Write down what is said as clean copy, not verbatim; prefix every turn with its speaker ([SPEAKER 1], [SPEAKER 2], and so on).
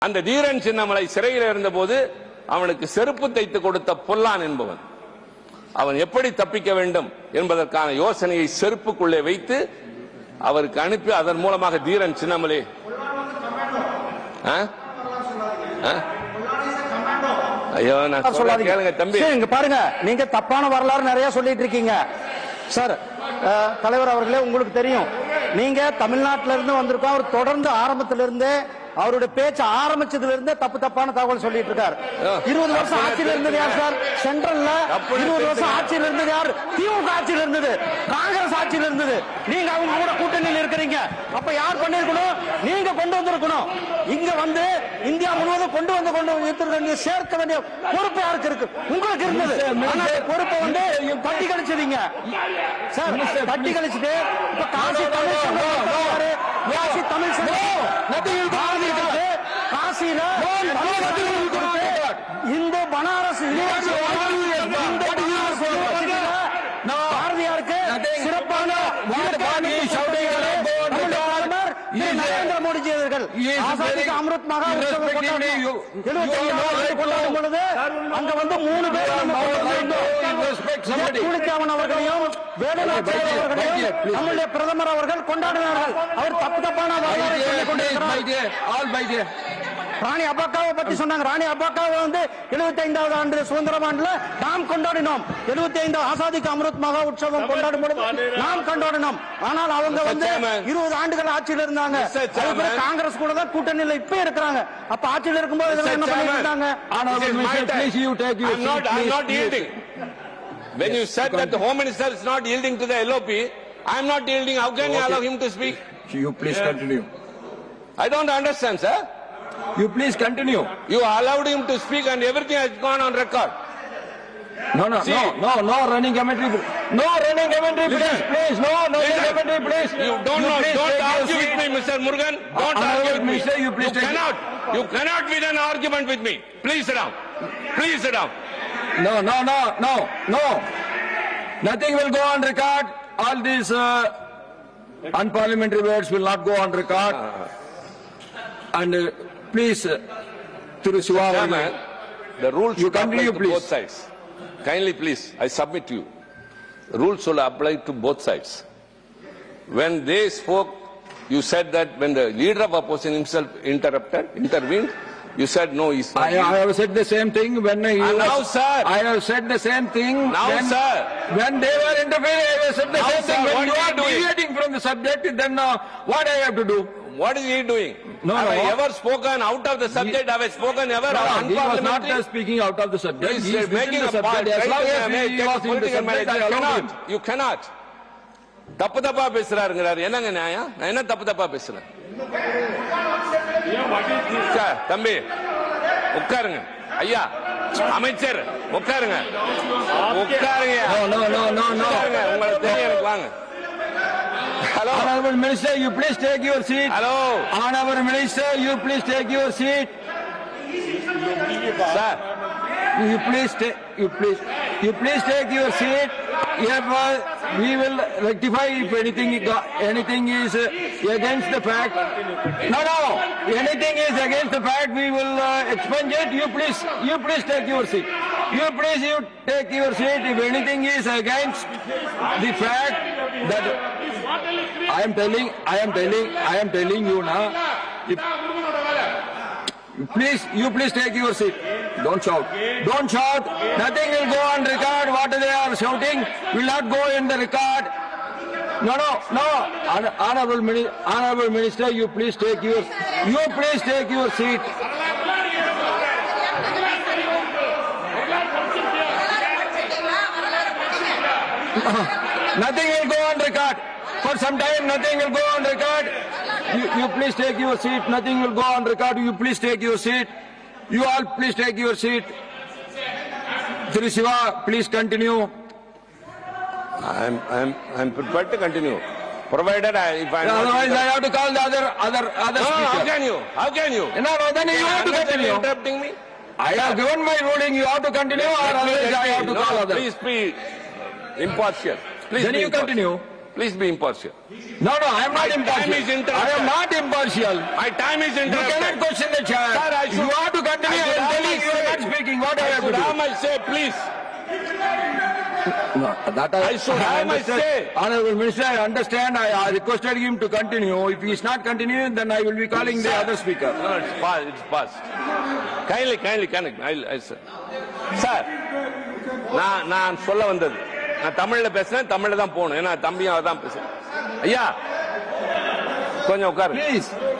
[SPEAKER 1] அந்த தீரன் சின்னமலை சிறையில் இருந்தபோது அவனுக்கு செருப்பு தைத்து கொடுத்த பொல்லான் என்பவன் அவன் எப்படி தப்பிக்க வேண்டும் என்பதற்கான யோசனையை செருப்புக்குள்ளே வைத்து அவருக்கு அனுப்பி அதன் மூலமாக தீரன் சின்னமலை ஐயோ நான் கேளுங்க தம்பி,
[SPEAKER 2] இங்க பாருங்க, நீங்க தப்பான வரலாறு நிறைய சொல்லிட்டு இருக்கீங்க சார். தலைவர் அவர்களே, உங்களுக்கு தெரியும், நீங்க தமிழ்நாட்டில இருந்து வந்திருக்கோம். அவர் தொடர்ந்து ஆரம்பத்திலிருந்தே அவருடைய பேச்சு ஆரம்பிச்சதுல இருந்தே தப்பான தகவல் சொல்லிட்டு இருக்காரு. 20 வருஷம் ஆட்சியில் இருந்தது யார் சார்? சென்ட்ரல்ல 20 வருஷம் ஆட்சியில் இருந்தது யார்? திமுக ஆட்சியில் இருந்தது, காங்கிரஸ் ஆட்சியில் இருந்தது. நீங்க அவங்க கூட கூட்டணியில் இருக்கிறீங்க. அப்ப யார் பண்ணிருக்கணும்? நீங்க கொண்டு வந்திருக்கணும். இங்க வந்து இந்தியா முழுவதும் கொண்டு சேர்க்க வேண்டிய பொறுப்பு யாருக்கு இருக்கு? உங்களுக்கு இருந்தது. பொறுப்பை வந்து தட்டி கழிச்சதீங்க சார். தட்டி கழிச்சுட்டு இப்ப காசி தமிழ் காசியில இந்த பனாரஸ் பாரதியாருக்கு சிறப்பான நரேந்திர மோடிஜி அவர்கள் ஆசாதிக்கு அமிர்த் மகா உற்சவம் கொண்டாடும் பொழுது அங்க வந்து 3 பேர் கூலிக்காமன் அவர்களையும் வேலுநாச்சியார் அவர்களையும் நம்முடைய பிரதமர் அவர்கள் கொண்டாடினார்கள். அவர் தப்பான ராணி அப்பாக்காவை பத்தி சொன்னாங்க. ராணி அப்பாக்காவை வந்து 75வது ஆண்டு சுதந்திர ஆண்டுல நாம் கொண்டாடினோம். 75 ஆசாதிக்கு அமிர்த் மகா உற்சவம் கொண்டாடும் பொழுது நாம் கொண்டாடினோம். ஆனால் அவங்க வந்து 20 ஆண்டுகள் ஆட்சியில் இருந்தாங்க. காங்கிரஸ் கூட தான் கூட்டணியில் இப்ப இருக்கிறாங்க. அப்ப ஆட்சியில் இருக்கும்போது இதெல்லாம் என்ன பண்ணிட்டு இருந்தாங்க?
[SPEAKER 1] When you said that the Home Minister is not yielding to the LOP, I am not yielding. How can you allow him to speak?
[SPEAKER 3] You please continue.
[SPEAKER 1] I don't understand, sir.
[SPEAKER 3] You please continue.
[SPEAKER 1] You allowed him to speak and everything has gone on record.
[SPEAKER 3] No running commentary. No running commentary, please. No running commentary, please.
[SPEAKER 1] You don't argue with me, Mr. Murugan. Don't argue with me. You cannot win an argument with me. Please sit down. Please sit down.
[SPEAKER 3] No. Nothing will go on record. All these unparliamentary words will not go on record. And please, through Shiva,
[SPEAKER 1] the rules
[SPEAKER 3] you
[SPEAKER 1] should apply
[SPEAKER 3] continue,
[SPEAKER 1] to
[SPEAKER 3] please.
[SPEAKER 1] both sides. Kindly, please, I submit to you. The rules should apply to both sides. When they spoke, you said that when the leader of opposition himself intervened, you said no, he's not.
[SPEAKER 3] I have said the same thing when he was.
[SPEAKER 1] Now, sir.
[SPEAKER 3] I have said the same thing.
[SPEAKER 1] Now, sir.
[SPEAKER 3] When they were interfering, I have said the
[SPEAKER 1] Now,
[SPEAKER 3] same
[SPEAKER 1] sir,
[SPEAKER 3] thing.
[SPEAKER 1] what
[SPEAKER 3] When you
[SPEAKER 1] are
[SPEAKER 3] are
[SPEAKER 1] you doing?
[SPEAKER 3] deviating from the subject, then what I have to do?
[SPEAKER 1] What is he doing? Have I ever spoken out of the subject? Have I spoken ever
[SPEAKER 3] No, he was not
[SPEAKER 1] unparliamentary?
[SPEAKER 3] speaking out of the subject.
[SPEAKER 1] He's
[SPEAKER 3] He is
[SPEAKER 1] making
[SPEAKER 3] within the
[SPEAKER 1] a point.
[SPEAKER 3] subject. As long as he was in the subject, I allowed him.
[SPEAKER 1] You cannot. தப்பா பேசுறாருங்கிறாரு. என்னங்க நியாயம்? நான் என்ன தப்பா பேசுறேன்? தம்பி உட்காருங்க. ஐயா அமைச்சர் உட்காருங்க.
[SPEAKER 3] No.
[SPEAKER 1] உங்களுக்கு தெரியும், எனக்கு வாங்க. Hello.
[SPEAKER 3] Honorable Minister, you please take your seat.
[SPEAKER 1] Hello.
[SPEAKER 3] Honorable Minister, you please take your seat.
[SPEAKER 1] Sir.
[SPEAKER 3] You please take your seat. Hereby we will rectify if anything is against the fact. No. Anything is against the fact, we will expunge it. You please take your seat. You take your seat. If anything is against the fact that I am telling you now. You please take your seat. Don't shout. Nothing will go on record. What they are shouting will not go in the record. No. Honorable Minister, you please take your seat. Nothing will go on record. For some time, nothing will go on record. You please take your seat. Nothing will go on record. You please take your seat. You all please take your seat. Sri Shiva, please continue.
[SPEAKER 1] I'm prepared to continue, provided if I.
[SPEAKER 3] Otherwise, I have to call the other
[SPEAKER 1] No,
[SPEAKER 3] speaker.
[SPEAKER 1] how can you?
[SPEAKER 3] No, then you have to continue.
[SPEAKER 1] Interrupting me.
[SPEAKER 3] I have given my ruling. You have to continue, or otherwise I have to call others.
[SPEAKER 1] Please be impartial. Please
[SPEAKER 3] Then
[SPEAKER 1] be
[SPEAKER 3] you
[SPEAKER 1] impartial.
[SPEAKER 3] continue.
[SPEAKER 1] Please be impartial.
[SPEAKER 3] No, I am not
[SPEAKER 1] My time
[SPEAKER 3] impartial.
[SPEAKER 1] is interrupted.
[SPEAKER 3] I am not impartial.
[SPEAKER 1] My time is
[SPEAKER 3] You cannot
[SPEAKER 1] interrupted.
[SPEAKER 3] question the chair.
[SPEAKER 1] Sir, I should-
[SPEAKER 3] You have to continue.
[SPEAKER 1] I should
[SPEAKER 3] I am
[SPEAKER 1] have
[SPEAKER 3] telling
[SPEAKER 1] my
[SPEAKER 3] you are
[SPEAKER 1] say.
[SPEAKER 3] not speaking. What do I
[SPEAKER 1] I
[SPEAKER 3] have
[SPEAKER 1] should
[SPEAKER 3] to
[SPEAKER 1] have
[SPEAKER 3] do?
[SPEAKER 1] my say, please.
[SPEAKER 3] No, that
[SPEAKER 1] I should have my
[SPEAKER 3] understand.
[SPEAKER 1] say.
[SPEAKER 3] Honorable Minister, I understand. I requested him to continue. If he is not continuing, then I will be calling the other speaker.
[SPEAKER 1] No, it's past. It's past. Kindly connect. I'll say. Sir நான் சொல்ல வந்தது நான் தமிழ்ல பேசுறேன் தமிழ்ல தான் போகணும் ஏன்னா தம்பியும் அதான் பேசுறேன் ஐயா கொஞ்சம் உட்காரு
[SPEAKER 3] Please.